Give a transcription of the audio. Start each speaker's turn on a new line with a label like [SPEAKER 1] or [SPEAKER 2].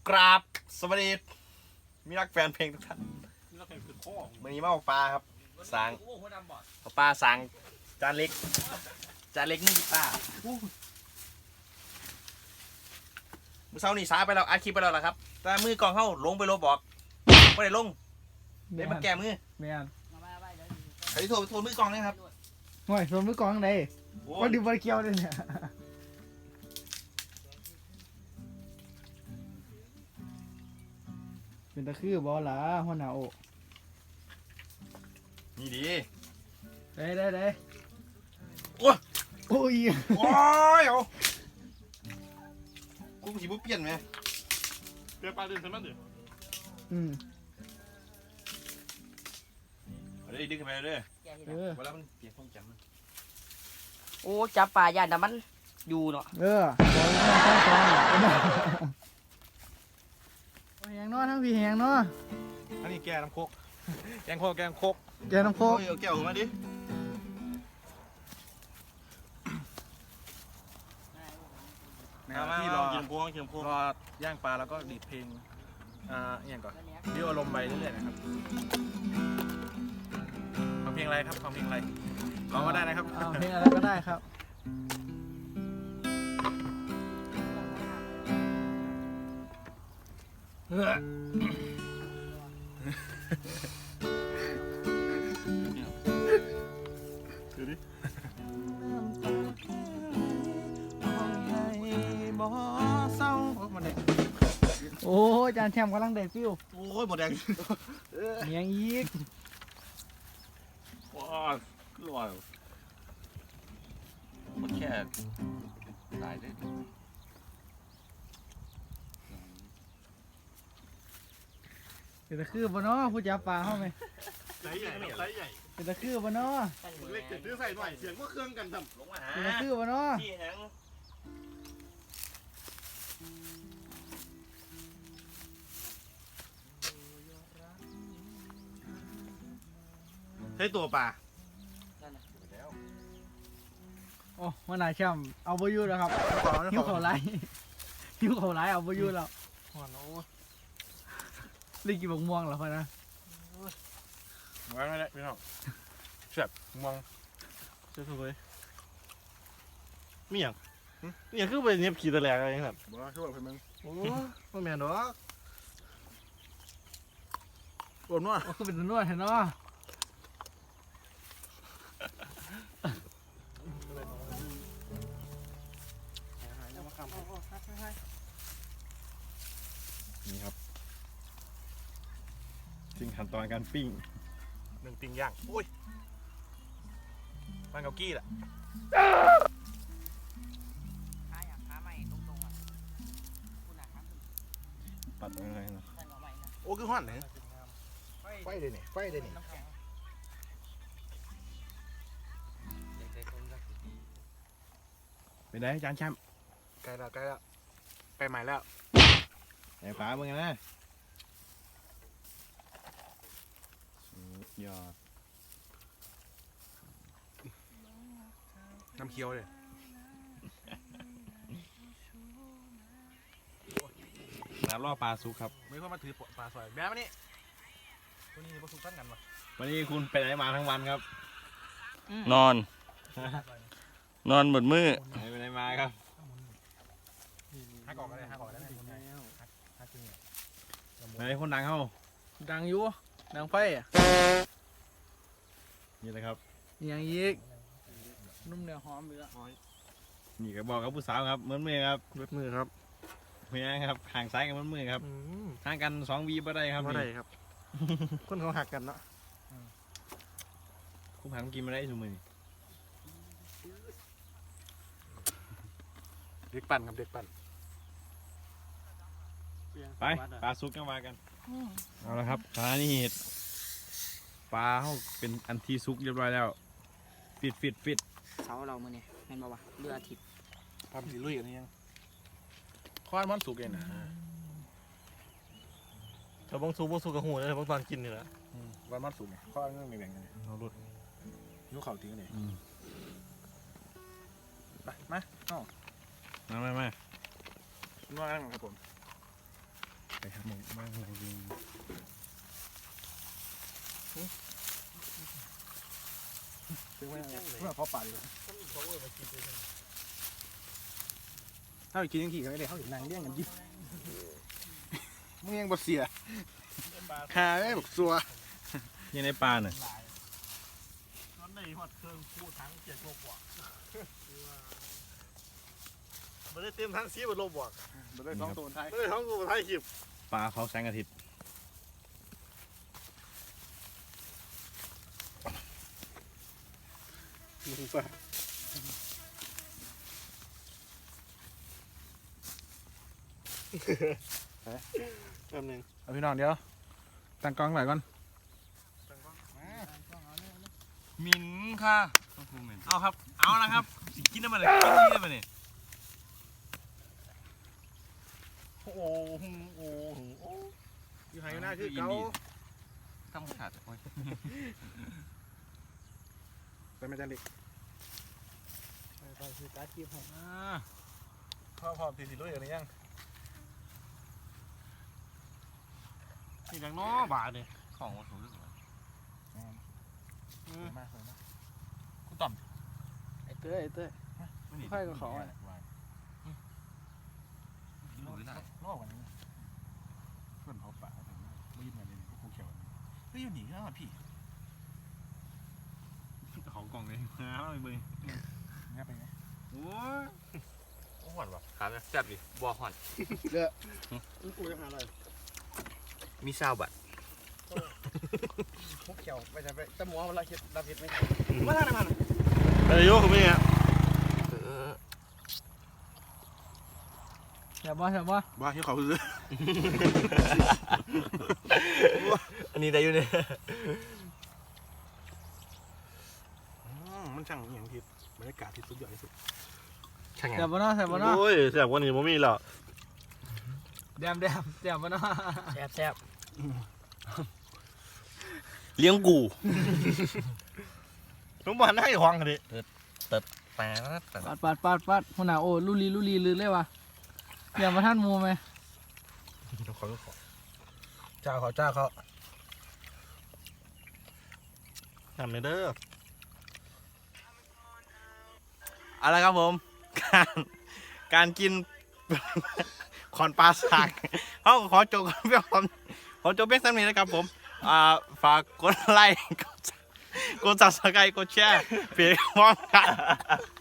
[SPEAKER 1] กราบสวัสดีมีรักแฟนเพลงทุกท่านวันนี้มาเอาปลาครับสางเอาปลาสางจานเล็กนี่คือปลาเมื่อเช้านี่ช้าไปแล้วอัดคลิปไปแล้วล่ะครับแต่มือกองเข้าลงไปโลบอกไม่ได้ลงได้มาแก้มือ
[SPEAKER 2] แม่น
[SPEAKER 1] ใครที่โทรมือกองนะครับ
[SPEAKER 2] ห่วยส่วนมือกองไหนวันดีวันเกี่ยวเลยเนี่ยเป็นตะคือบอล่ะหัวหน้าโอ
[SPEAKER 1] นี่ดี
[SPEAKER 2] ได้
[SPEAKER 1] โอ้ย
[SPEAKER 2] โอ้ย
[SPEAKER 1] โอ้ยเอากูสีบุเปลี่ยนไหม
[SPEAKER 3] เปลี่ยนปลาเดินใช่ไหมดิ
[SPEAKER 1] เอาได้ดึงขึ้นไปเลย
[SPEAKER 2] เออ
[SPEAKER 1] เวลามันเปลี่ยนความจำมัน
[SPEAKER 4] โอ้จับปลาย่านแต่มันอยู่เนาะ
[SPEAKER 2] บอลน้องต้องแหงนอทั้งพี่แหงนอ
[SPEAKER 3] อันนี้แกน้ำโคกแกงโคก
[SPEAKER 2] แกน้ำโค
[SPEAKER 1] โอ้
[SPEAKER 2] ก
[SPEAKER 1] ยเอาแก้วออกมาดิ
[SPEAKER 3] ที่รอกินโคกรอย่างปลาแล้วก็ดีดเพลงอย่างก่อนดิวอารมณ์ไปเรื่อยๆนะครับฟังเพลงอะไรครับฟังเพลงอะไรร้องก็ได้นะครับ
[SPEAKER 2] เอาเพลงอะไรก็ได้ครับ
[SPEAKER 3] ดูดิ
[SPEAKER 2] โอ้ยจานแชมป์กำลังได้ฟิว
[SPEAKER 1] โอ้ยหมดแดง
[SPEAKER 2] เมียงอีก
[SPEAKER 1] ว้าวลอยมันแค่ตายได้
[SPEAKER 2] เป็นตะคือบอน้อผู้จับปลาเข้าไหม
[SPEAKER 3] ไซส์ใหญ่ไซส์ใหญ่
[SPEAKER 2] เป็นตะคือบอน้อ
[SPEAKER 3] เล็กเจ็ดซื้อใส่หน่อยเสียงว่าเครื่องกันทำ
[SPEAKER 1] ลงมาหา
[SPEAKER 2] เป็นตะคือบอน้อ
[SPEAKER 1] ที่แหง
[SPEAKER 3] ใช้ตัวปลา
[SPEAKER 1] แล้ว
[SPEAKER 2] โอ้มาหนาแชมป์เอาบอยู่แล้วครับหิวเขาไล่หิวเขาไล่เอาบอยู่แล้ว
[SPEAKER 3] หัวโน้
[SPEAKER 2] รีกินบกม่วงเหรอพ่อนะ
[SPEAKER 3] ไว้ไม่ได้พี่น้องเสียบมองเสียบเลยมีอย่างมีอย่างคือไปเนียบขี่ตะแหลกอะไรอย่างเงี้ย
[SPEAKER 1] บ้าช่วยเพื่อนมึง
[SPEAKER 3] โอ้ไม่แม่นหรอกปวดมั้ง
[SPEAKER 2] โอ้คือเป็นนวดเห็นเนาะ
[SPEAKER 1] นี่ครับถึงขั้นตอนการปิ้ง
[SPEAKER 3] หนึ่งติ่งย่างโอ้ยมันเกากี้แหละ
[SPEAKER 4] ขาใหม่ตรงๆอ่ะคุณอ่ะครับ
[SPEAKER 1] ปัดอะไรนะ
[SPEAKER 4] ใส่หน่อใหม่นะ
[SPEAKER 3] โอ้คือห้อนเลยไฟเลยนี่ไฟเลยนี่
[SPEAKER 4] น้ำแข็ง
[SPEAKER 1] เป็นไงจานแชมป์
[SPEAKER 3] ใกล้แล้วไปใหม่แล้ว
[SPEAKER 1] ไอ้ปลามึงนะสุดยอด
[SPEAKER 3] น้ำเคี้ยวเลย
[SPEAKER 1] น้ำล่อปลาซุกครับ
[SPEAKER 3] ไม่ค่อยมาถือปลาสอยแบบนี้ตัวนี้ปลาสุกตั้งกันวะ
[SPEAKER 1] วันนี้คุณไปไหนมาทั้งวันครับ
[SPEAKER 4] นอนหมดมือ
[SPEAKER 1] ไปไหนมาครับ
[SPEAKER 3] หักออกก็ได้หักออกได้ไหมหักจริง
[SPEAKER 1] ไหนคนดังเข้า
[SPEAKER 2] ดังอยู่ดังไฟอ่ะ
[SPEAKER 1] นี่เลยครับ
[SPEAKER 2] อย่างอีกนุ่มเนื้อหอมอยู่แล้ว
[SPEAKER 1] นี่ก็บอกกับผู้สาวครับเหมือนมือครับ
[SPEAKER 3] เวทมือครับ
[SPEAKER 1] เมียครับห่างซ้ายกันเหมือนมือครับห่างกัน2 วีบ่ได้ครับ
[SPEAKER 3] ไม่ได้ครับ คนเขาหักกันเนาะ
[SPEAKER 1] คุณหันกินมาได้สมือนี่
[SPEAKER 3] เด็กปั่นครับเด็กปั่น
[SPEAKER 1] ไปปลาซุกกันมากันเอาละครับปลานี่ปลาเขาเป็นอันที่ซุกเรียบร้อยแล้วฟิต
[SPEAKER 4] เสาเรามื่อนี้แม่นบ่วะเรืออาทิตย์
[SPEAKER 3] ทำสีลุยกันนี่ยังข้อนมันสุกเองนะแต่บางสุกกับหูเลยบางตอนกินนี่แหละวันมันสุกไงข้อนมันไม่แบ่งกันเราลุดยุ้เข่าทิ้งเลยไปมา
[SPEAKER 1] มา
[SPEAKER 3] นวดกันครับผมไปหาหมูมากเลยยิง
[SPEAKER 2] เพื่อเขาป่าเลยถ้าไปกินยังขี่กันไม่ได้เขาเห็นนางเลี้ยงกันยิบมึงยังบ่เสียหาได้บอกซัว
[SPEAKER 1] ยังในปลาเนี่ย
[SPEAKER 3] ตอนนี้ฮอดเครื่องคู่ทั้ง7 โลบวกไม่ได้เต็มทั้ง4 โลบวก
[SPEAKER 2] บ่ได้2 ตัวท้าย
[SPEAKER 3] ไม่ได้ท้องกูท้ายคลิป
[SPEAKER 1] ปลาเขาแสงอาทิตย์
[SPEAKER 3] มึงป่ะแป๊บนึง
[SPEAKER 2] เอาพี่น้องเดี๋ยวตั้งกล้องไว้ก่อน
[SPEAKER 1] มินค่ะเอาครับเอานะครับสิกินน้ำมันเลยกินนี่ได้ไหมเนี่ย
[SPEAKER 3] โอ้โหโอ้โหอยู่ไหนหน้าคือเก่า
[SPEAKER 1] ทำขาดโอ้ย
[SPEAKER 2] ไปไม่ได้เล็กไปคือตาคีบผม
[SPEAKER 3] พ่อตีสิลุยกันหรือยังนี่ดังน้อบาทเนี่ย
[SPEAKER 1] ของวัตถุเรื่องอะไร
[SPEAKER 2] มากเลยนะ
[SPEAKER 1] กูต่
[SPEAKER 2] ไอ้เต้ย
[SPEAKER 1] ำ
[SPEAKER 2] ค่อยกับเขาอ่ะ
[SPEAKER 1] รู้ได้
[SPEAKER 2] รอบกันนี้เพื่อนเขาป่าไม่ยิ้มอะไรเลยกูเขียว
[SPEAKER 1] เฮ้ยอยู่หนีแล้วพี่ของกล่องเลยมาเอาไปเบิ้ง
[SPEAKER 2] เนี่ยไปไง
[SPEAKER 1] โอ้ยหอนวะถามนะจับดิบัวหอน
[SPEAKER 3] กูจะหาอะไร
[SPEAKER 1] มีซาวบัต
[SPEAKER 2] พวกเขียวไปจะไปแต่หมูมันละเข็ดรับเข็ดไม่ทันมาทางไหนมัน
[SPEAKER 3] เฮ้ยโยกไม่เนี่ย
[SPEAKER 2] เดี๋ยวบ่
[SPEAKER 3] บ้าที่เขาซื้อ
[SPEAKER 1] อันนี้ได้อยู่เนี่ย
[SPEAKER 3] มันช่างอย่างที่บรรยากาศที่สุดยอดที่สุด
[SPEAKER 1] ช่างไง
[SPEAKER 2] เดี๋ยวบ่เนาะ
[SPEAKER 3] โอ้ยแสบกว่านี้ผมมีแล้ว
[SPEAKER 2] เดี๋ยวบ่เนาะ
[SPEAKER 4] แซ่บ
[SPEAKER 1] เลี้ยงกู
[SPEAKER 3] ผมบอกให้ควงกันดิ
[SPEAKER 1] แต่
[SPEAKER 2] ปัดหัวหน้าโอ้ลุลีลือเลยวะเดี๋ยวมาท่านมูไหม
[SPEAKER 3] ขอเจ้าเขาทำในเด้อ
[SPEAKER 1] เอาละครับผม การกิน ขอนปลาสักเขาขอจบกันเพียงขอจบเพียงเท่านี้นะครับผมฝากกดไลค์กดซับสไครต์กดแชร์เพื่อความกัน